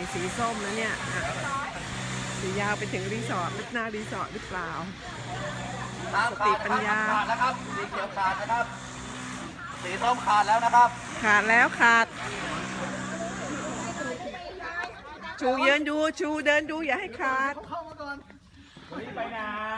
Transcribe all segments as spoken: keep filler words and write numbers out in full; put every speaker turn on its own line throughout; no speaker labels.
สีส้มนะเนี่ยสียาวไปถึงรีสอร์ทหน้ารีสอร์ทหรือเปล่าสติปัญญา
ขาดนะครับสีเขียวขาดนะครับสีส้มขาดแล้วนะครับ
ขาดแล้วขาด ชูเยินดูชูเดินดูอย่าให้ขาด
ไปไหน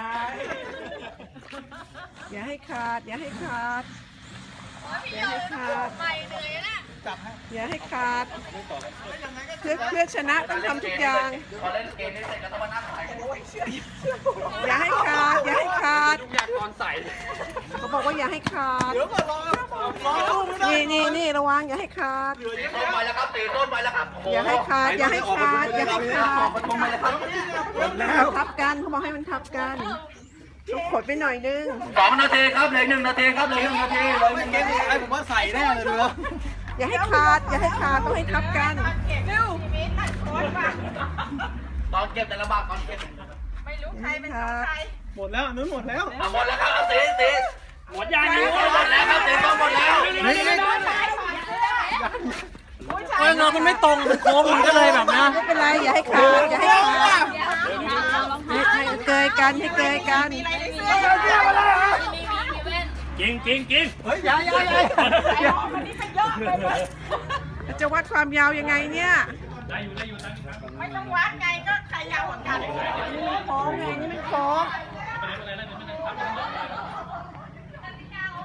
อย่าให้ขาด อย่าให้ขาด อย่าให้ขาดอย่าให้ขาดเพื่อเพื่อชนะต้องทำทุกอย่าง
พอเล่นเกมนี้เสร็จก็ต้องมานั่งถ่ายกันด้วย
อย่าให้ขาด อย่าให้ขาด
ทุกอย่างก่อนใส่
เขาบอกว่าอย่าให้ขาด
เดี๋ยวก่อนรอรอ
นี่นี่นี่ระวังอย่าให้ขาด
สีส้มไปแล้วครับสีส้มไปแล้วครับ
อย่าให้ขาด อย่าให้ขาด อย่าให้ขาด
มันคงไปแล้วครับ
มันทับกันเขาบอกให้มันทับกันต้องขดไปหน่อยนึง
สองนาทีครับเหลือหนึ่งนาทีครับเหลือหนึ่งนาทีเหลือหนึ่งนาทีไอ้ผมว่าใส่แน่เลยดูแล้ว
อย่าให้ขาด อย่าให้ขาดต้องให้ทับกันเร็ว
ตอนเก็บแต่ละบาทตอนเก็บ
ไม่รู้ใครเป็นของใคร
หมดแล้วนู้นหมดแล้ว
เอาหมดแล้วครับเอาสีสีหมดยังหมดแล้วครับสีส้มหมดแล้ว
นี่เออเงามันไม่ตรงมันโค้งมันก็เลยแบบนะ
ไม่เป็นไรอย่าให้ขาด อย่าให้ขาดให้ให้เกยกันให้เกยกัน
กินกินกิน
เฮ้ยอย่าอย่าอย่า
จะวัดความยาวยังไงเนี่ย
ได้อยู่ได้อยู่ตั้งครับ
ไม่ต้องวัดไงก็ใครยาวกว่ากัน
โค้งไงนี่มันโค้ง
ไม่เป็นไรไม่เป็นไรไม่เป็นไร